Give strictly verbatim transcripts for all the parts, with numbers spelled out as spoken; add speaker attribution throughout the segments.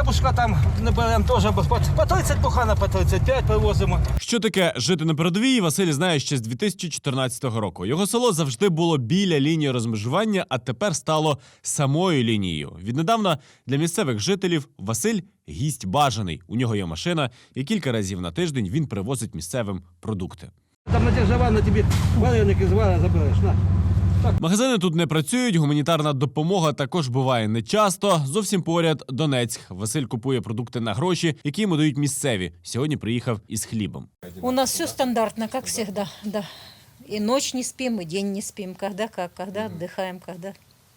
Speaker 1: Бабушка там не беремо теж, по тридцять пухана, по тридцять п'ять привозимо.
Speaker 2: Що таке жити на передовій, Василь знає ще з дві тисячі чотирнадцятого року. Його село завжди було біля лінії розмежування, а тепер стало самою лінією. Віднедавна для місцевих жителів Василь – гість бажаний. У нього є машина, і кілька разів на тиждень він привозить місцевим продукти.
Speaker 1: Там на держава на тобі вареники з вара забереш, на.
Speaker 2: Магазини тут не працюють, гуманітарна допомога також буває нечасто. Зовсім поряд Донецьк. Василь купує продукти на гроші, які йому дають місцеві. Сьогодні приїхав із хлібом.
Speaker 3: У нас все стандартно, как всегда, да. И ночь не спим, и день не спим. Когда как, когда отдыхаем, когда.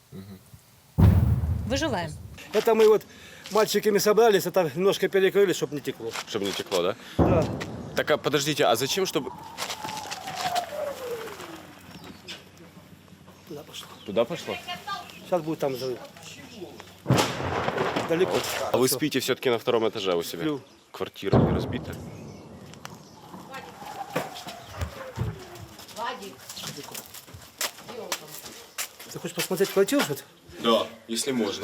Speaker 3: Выживаем.
Speaker 1: Это мы вот мальчиками собрались, это немножко перекрыли, чтобы не текло.
Speaker 4: Чтобы не текло, да?
Speaker 1: Да.
Speaker 4: Так, а подождите, а зачем, чтобы...
Speaker 1: Туда пошло.
Speaker 4: Туда пошло?
Speaker 1: Сейчас будет там взрыв. Далеко.
Speaker 4: А вы спите все-таки на втором этаже у себя?
Speaker 1: Сплю.
Speaker 4: Квартира не разбита?
Speaker 1: Ты хочешь посмотреть квартиру, что-то?
Speaker 4: Да, если можно.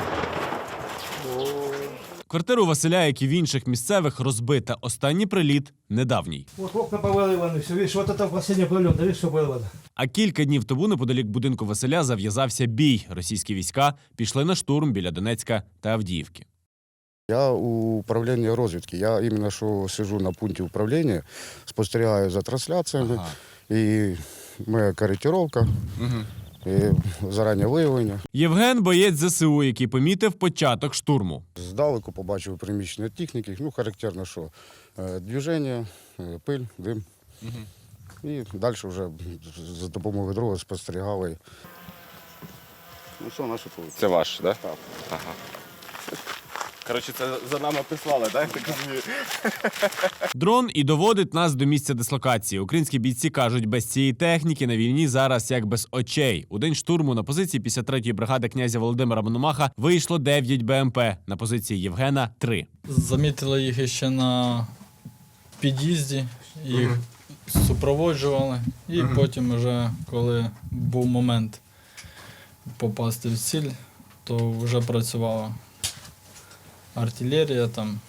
Speaker 2: Квартира у Василя, як і в інших місцевих, розбита. Останній приліт – недавній.
Speaker 1: Вот окна повыливаны, все, видишь, вот это последний прилет, да видишь, что вырвано.
Speaker 2: А кілька днів тому неподалік будинку Василя зав'язався бій. Російські війська пішли на штурм біля Донецька та Авдіївки.
Speaker 5: Я у управління розвідки. Я іменно що сиджу на пункті управління, спостерігаю за трансляціями. Ага. І моя коректировка, угу. І зарані виявлення.
Speaker 2: Євген – боєць зе се у, який помітив початок штурму.
Speaker 5: Здалеку побачив приміщення техніки. Ну, характерно, що движення, пиль, дим. Угу. І далі вже за допомогою дрона спостерігали. Ну, все, наше поле.
Speaker 4: Це ваш, да?
Speaker 5: Так.
Speaker 4: Ага. Коротше, це за нами прислали, так? Так розумію.
Speaker 2: Дрон і доводить нас до місця дислокації. Українські бійці кажуть, без цієї техніки на війні зараз як без очей. У день штурму на позиції п'ятдесят третьої бригади князя Володимира Мономаха вийшло дев'ять Б М Пе, на позиції Євгена – три.
Speaker 6: Замітили їх ще на під'їзді, їх угу. супроводжували. І угу. потім, вже, коли був момент попасти в ціль, то вже працювала артилерія, там,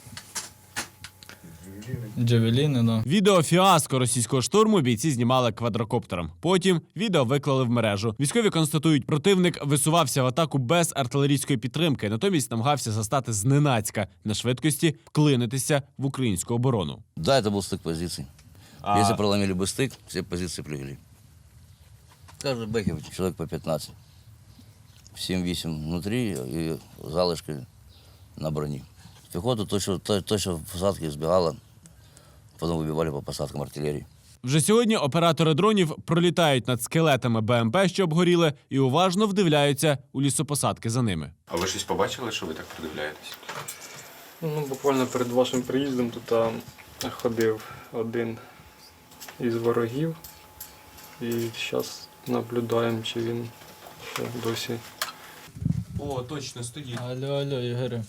Speaker 6: джавеліни. Да.
Speaker 2: Відео фіаско російського штурму бійці знімали квадрокоптером. Потім відео виклали в мережу. Військові констатують, противник висувався в атаку без артилерійської підтримки, натомість намагався застати зненацька на швидкості вклинитися в українську оборону.
Speaker 7: Да, это был стык позиций.
Speaker 2: А...
Speaker 7: Если проломили бы стык, все позиции прыгали. Каждый бэхе человек по пятнадцать. семь-восемь внутри и залышки на броні. Піхоту точно, точно в посадки збігала, потім вибивали по посадкам артилерії.
Speaker 2: Вже сьогодні оператори дронів пролітають над скелетами Б М Пе, що обгоріли, і уважно вдивляються у лісопосадки за ними.
Speaker 4: А ви щось побачили, що ви так придивляєтесь?
Speaker 8: Ну, буквально перед вашим приїздом тут а, ходив один із ворогів. І зараз наблюдаємо, чи він ще досі.
Speaker 2: О, точно, стоїть.
Speaker 6: Алло, алло, Ігорю.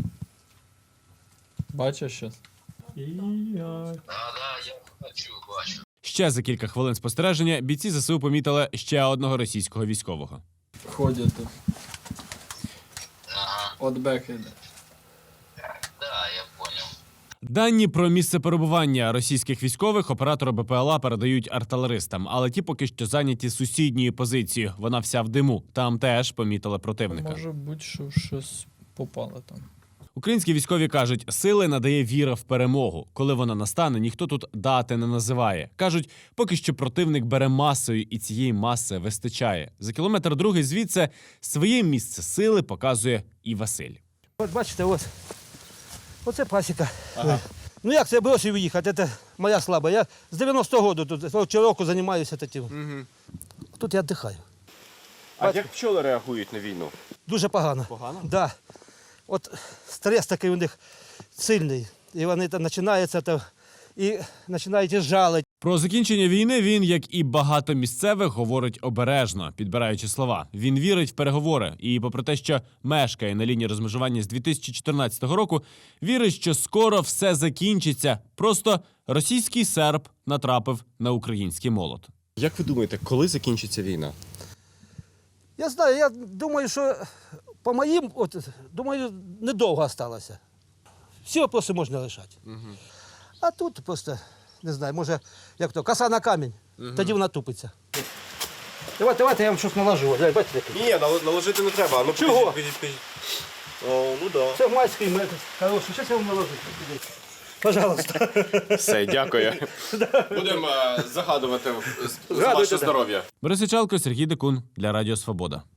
Speaker 6: Бачиш щось?
Speaker 2: Ще за кілька хвилин спостереження бійці зе се у помітили ще одного російського військового.
Speaker 6: Ходять тут. От бек іде.
Speaker 2: Дані про місце перебування російських військових оператори Б П Л А передають артилеристам, але ті поки що зайняті сусідньою позицією. Вона вся в диму. Там теж помітили противника.
Speaker 6: Може бути, що щось попало там.
Speaker 2: Українські військові кажуть, сили надає віра в перемогу. Коли вона настане, ніхто тут дати не називає. Кажуть, поки що противник бере масою, і цієї маси вистачає. За кілометр другий звідси своє місце сили показує і Василь.
Speaker 1: От бачите, ось. Оце пасіка. Ага. Ну як це бросив їхати, це моя слаба. Я з дев'яностого року тут року займаюся таким. Угу. Тут я віддихаю.
Speaker 4: А як пчоли реагують на війну?
Speaker 1: Дуже погано.
Speaker 4: Погано?
Speaker 1: Так. Да. От стрес такий у них сильний. І вони там починаються там, і починають жалити.
Speaker 2: Про закінчення війни він, як і багато місцевих, говорить обережно, підбираючи слова. Він вірить в переговори і, попри те, що мешкає на лінії розмежування з дві тисячі чотирнадцятого року, вірить, що скоро все закінчиться. Просто російський серп натрапив на український молот.
Speaker 4: Як ви думаєте, коли закінчиться війна?
Speaker 1: Я знаю, я думаю, що по моїм, от, думаю, недовго залишилося. Всі вопроси можна рішати. А тут просто, не знаю, може, як то, коса на камінь, тоді вона тупиться. Давайте, давайте я вам щось наложу. Ось, бачите, який?
Speaker 4: Ні, нал- наложити не треба. Ну,
Speaker 1: Чого?
Speaker 4: покажіть, покажіть, покажіть. О, ну да.
Speaker 1: Це майський метод. Хороший, зараз я вам наложу. Пожалуйста.
Speaker 4: Все, дякую. Будемо е, загадувати за
Speaker 1: Згадуйте,
Speaker 4: ваше
Speaker 1: да.
Speaker 4: здоров'я.
Speaker 2: Борис Ічалко, Сергій Декун для Радіо Свобода.